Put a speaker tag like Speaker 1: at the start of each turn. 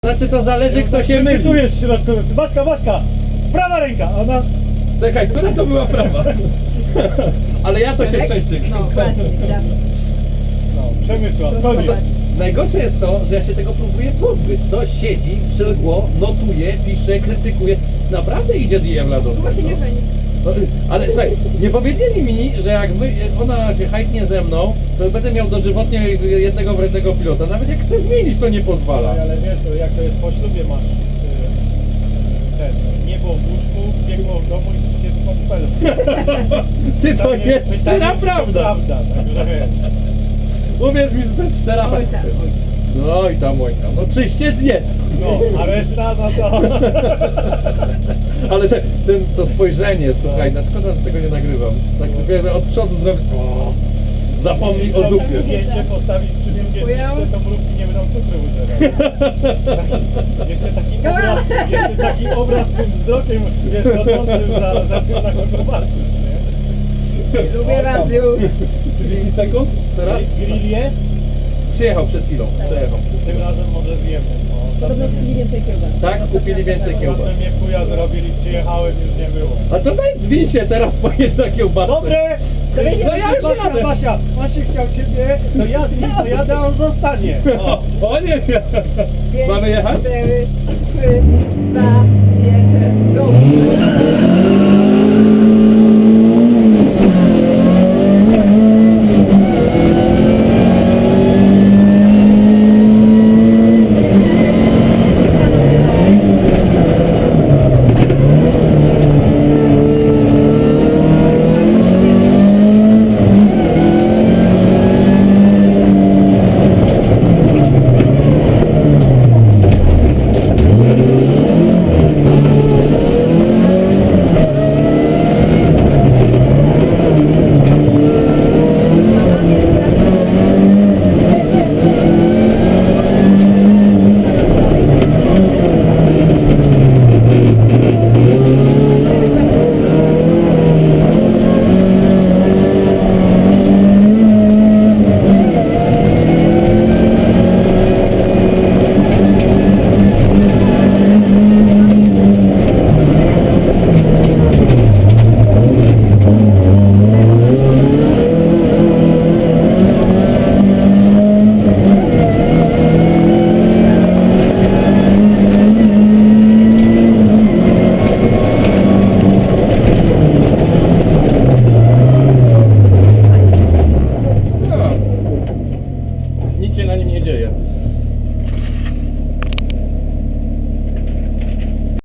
Speaker 1: Znaczy to zależy kto się myli.
Speaker 2: Tu jest środkowy. Baśka, prawa ręka, ona...
Speaker 1: Czekaj, która to była prawa? Ale ja to się częściej
Speaker 3: No właśnie, tak.
Speaker 2: No, Przemysław, chodź.
Speaker 1: Najgorsze jest to, że ja się tego próbuję pozbyć. To siedzi, przylgło, notuje, pisze, krytykuje. Naprawdę idzie DM do
Speaker 3: Właśnie nie fajnie.
Speaker 1: No, ale słuchaj, nie powiedzieli mi, że jak ona się hajtnie ze mną, to będę miał dożywotnie jednego wrednego pilota. Nawet jak chcę zmienić, to nie pozwala.
Speaker 2: Ale wiesz, to jak to jest po ślubie masz niebo w łóżku, biegło w domu i się pod pelem.
Speaker 1: Ty to jest szczera prawda.
Speaker 2: Prawda, także wiesz.
Speaker 1: Uwierz mi, że to jest szczera
Speaker 3: Oj
Speaker 1: prawda.
Speaker 3: tam.
Speaker 1: No i tam, oj tam. No czyściec jest.
Speaker 2: No, a reszta no to...
Speaker 1: Ale to spojrzenie, słuchaj, no szkoda, że tego nie nagrywam. Tak dopiero od przodu zrobić. Zapomnij o zupie.
Speaker 2: Zdjęcie postawić przy drugiej miejsce, to mrówki nie będą cukru używać. Jeszcze taki obraz tym wzrokiem, wiesz, rodzącym za na kogo patrzysz, nie?
Speaker 3: Lubię was już.
Speaker 1: 30 sekund? Teraz?
Speaker 2: Grill jest?
Speaker 1: Przyjechał przed chwilą. Przejechał.
Speaker 2: Tym razem może zjemy.
Speaker 3: Podobno kupili więcej kiełbas.
Speaker 1: Tak? Kupili więcej kiełbas.
Speaker 2: Ostatnio mnie chuja zrobili, przyjechałem, już nie było.
Speaker 1: A to daj zwin się teraz, pojedź na kiełbasę.
Speaker 2: Dobre!
Speaker 3: To wiecie,
Speaker 1: No ja już jadę.
Speaker 2: Basia, Basia chciał ciebie, to ja z nim pojadę, a on zostanie.
Speaker 1: O nie! Mamy jechać?
Speaker 3: 4,